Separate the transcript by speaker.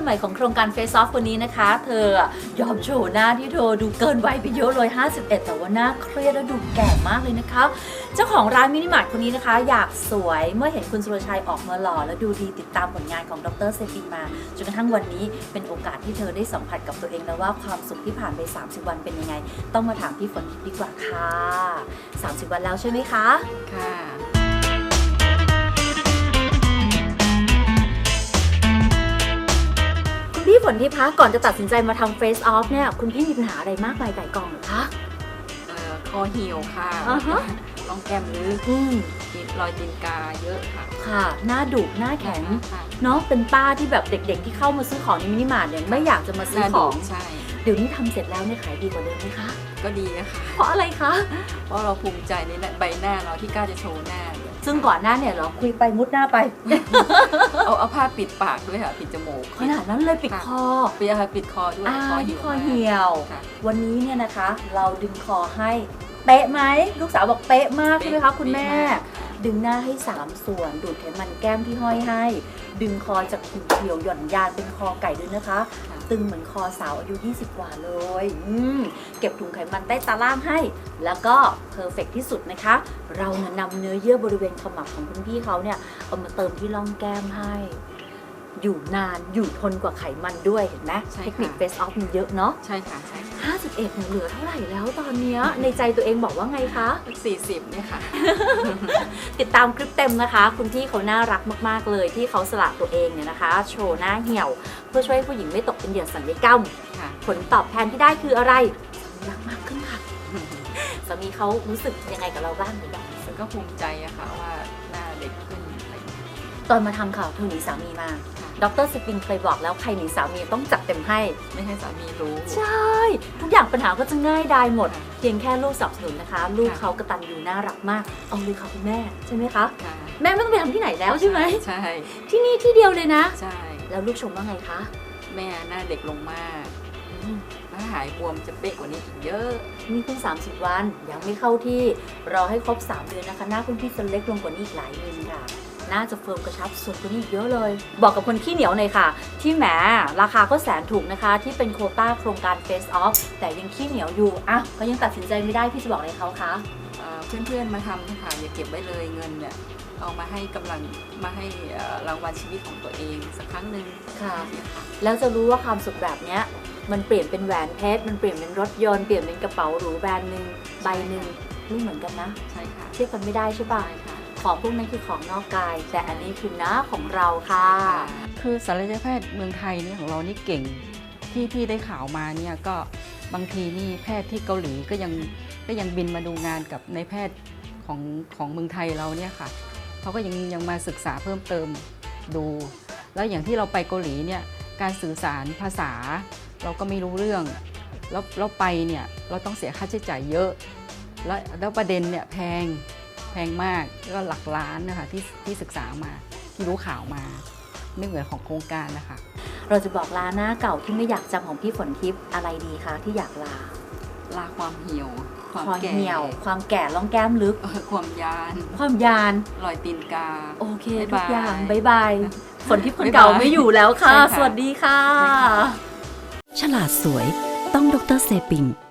Speaker 1: ใหม่ของโครงการ Face Off วันนี้นะคะเธอยอมโชว์หน้าที่เธอดูเกินวัยไปเยอะเลย51แต่ว่าหน้าเครียดและดูแก่มากเลยนะคะเจ้าของร้านมินิมาร์ทคนนี้นะคะอยากสวยเมื่อเห็นคุณสุรชัยออกมาหล่อและดูดีติดตามผลงานของดร.เซปิงมาจนกระทั่งวันนี้เป็นโอกาสที่เธอได้สัมผัสกับตัวเองแล้วว่าความสุขที่ผ่านไป30วันเป็นยังไงต้องมาถามพี่ฝนทิพย์ดีกว่าค่ะ30วันแล้วใช่ไหมคะ
Speaker 2: ค่ะ
Speaker 1: พี่ฝนทิพย์คะก่อนจะตัดสินใจมาทำ Face Off เนี่ยคุณพี่มีปัญหาอะไรมากมายไก่กองหรือคะ
Speaker 2: คอเหี่ยวค่ะรองแก้มลึกรอยตีนกาเยอะค่ะ
Speaker 1: ค่ะหน้าดุหน้าแข็งเนาะเป็นป้าที่แบบเด็กๆที่เข้ามาซื้อของในมินิมาร์ทเนี่ยไม่อยากจะมาซื้อของ
Speaker 2: ใช่
Speaker 1: เดี๋ยวนี้ทำเสร็จแล้วเนี่ยขายดีกว่าเดิมไหมคะ
Speaker 2: ก็ดีนะคะ
Speaker 1: เพราะอะไรคะ
Speaker 2: เพราะเราภูมิใจในใบหน้าเราที่กล้าจะโชว์หน้า
Speaker 1: ซึ่งก่อนหน้าเนี่ยเราคุยไปมุดหน้าไป
Speaker 2: เอาผ้าปิดปากด้วยค่ะปิดจมูก
Speaker 1: ขนาดนั้นเลยปิดคอ
Speaker 2: ปิดคอด้วย
Speaker 1: คอเหี่ยววันนี้เนี่ยนะคะเราดึงคอให้เป๊ะไหมลูกสาวบอกเป๊ะมากใช่ไหมคะคุณแม่ดึงหน้าให้3ส่วนดูดไขมันแก้มที่ห้อยให้ดึงคอจากหุ่นเหี่ยวหย่อนยานเป็นคอไก่ด้วยนะคะตึงเหมือนคอสาวอายุ20กว่าเลยเก็บถุงไขมันใต้ตาล่างให้แล้วก็เพอร์เฟกที่สุดนะคะเราเนี่ยนำเนื้อเยื่อบริเวณขมับของคุณพี่เขาเนี่ยเอามาเติมที่ร่องแก้มให้อยู่นานอยู่ทนกว่าไขมันด้วยเห็นไหมเทคนิค Face Off มีเยอะเนาะ
Speaker 2: ใช่ค่ะใช่
Speaker 1: 51เหลือเท่าไหร่แล้วตอนนี้ในใจตัวเองบอกว่าไงคะ
Speaker 2: 40เนี่ยค่ะ
Speaker 1: ติดตามคลิปเต็มนะคะคุณพี่เขาน่ารักมากๆเลยที่เขาสละตัวเองเนี่ยนะคะโชว์หน้าเหี่ยวเพื่อช่วยให้ผู้หญิงไม่ตกเป็นเหยื่อศัลยกรรมผลตอบแทนที่ได้คืออะไรรักมากขึ้นค่ะสามีเขารู้สึกยังไงกับเราบ้างหรือเปล่า
Speaker 2: ก็ภูมิใจอะค่ะว่าหน้าเด็กขึ้น
Speaker 1: ตอนมาทำข่าวเธอหนีสามีมาดร.สปินเคยบอกแล้วใครหนีสามีต้องจัดเต็มให้
Speaker 2: ไม่ให้สามีรู้
Speaker 1: ใช่ทุกอย่างปัญหาก็จะง่ายดายหมดเพียงแค่ลูกสนับสนุนนะคะลูกเขากตัญญูน่ารักมากเอาเลยค่ะคุณแม่ใช่ไหมคะแม่ไม่ต้องไปทำที่ไหนแล้วใช่ไหม
Speaker 2: ใช่
Speaker 1: ที่นี่ที่เดียวเลยนะ
Speaker 2: ใช่
Speaker 1: แล้วลูกชมว่าไงคะ
Speaker 2: แม่หน้าเด็กลงมากถ้าหายบวมจะเป๊ะกว่านี้อีกเยอะ
Speaker 1: นี่เพิ่ง30วันยังไม่เข้าที่รอให้ครบ3เดือนนะคะหน้าคุณพี่จะเล็กลงกว่านี้อีกหลายมิลค่ะน่าจะเฟิร์มกระชับส่วนตัวนี้เยอะเลยบอกกับคนขี้เหนียวหน่อยค่ะที่แหมราคาก็แสนถูกนะคะที่เป็นโควต้าโครงการ Face Off แต่ยังขี้เหนียวอยู่อ่ะก็ยังตัดสินใจไม่ได้พี่จะบอกอะไรเขาคะ
Speaker 2: เพื่อนๆมาทำนะคะอย่าเก็บไว้เลยเงินเนี่ยเอามาให้กำลังมาให้รางวัลชีวิตของตัวเองสักครั้งหนึ่ง
Speaker 1: ค่ะแล้วจะรู้ว่าความสุขแบบเนี้ยมันเปลี่ยนเป็นแหวนเพชรมันเปลี่ยนเป็นรถยนต์เปลี่ยนเป็นกระเป๋าหรูแบรนด์นึงใบหนึ่งไม่เหมือนกันนะ
Speaker 2: ใช่ค่ะ
Speaker 1: เทียบกันไม่ได้ใช่ป่ะของพวกนั้นคือของนอกกายแต่อันนี้คือหน้าของเราค่ะ
Speaker 2: คือศัลยแพทย์เมืองไทยนี่ของเรานี่เก่งที่พี่ได้ข่าวมาเนี่ยก็บางทีนี่แพทย์ที่เกาหลีก็ยังบินมาดูงานกับในแพทย์ของเมืองไทยเราเนี่ยค่ะเขาก็ยังมาศึกษาเพิ่มเติมดูแล้วอย่างที่เราไปเกาหลีเนี่ยการสื่อสารภาษาเราก็ไม่รู้เรื่องแล้วไปเนี่ยเราต้องเสียค่าใช้จ่ายเยอะแล้วประเด็นเนี่ยแพงมากก็หลักล้านนะคะที่ศึกษามาที่รู้ข่าวมาไม่เหมือนของโครงการนะคะ
Speaker 1: เราจะบอกลาหน้าเก่าที่ไม่อยากจำของพี่ฝนทิพย์อะไรดีคะที่อยากลา
Speaker 2: ความเหี่ยว
Speaker 1: ความแก่ร่องแก้มลึก
Speaker 2: ความ
Speaker 1: ยาน
Speaker 2: รอยตีนกา
Speaker 1: โอเคทุกอย่างบายบายฝนทิพย์คนเก่าไม่อยู่แล้วค่ะสวัสดีค่ะฉลาดสวยต้องดร.เซปิง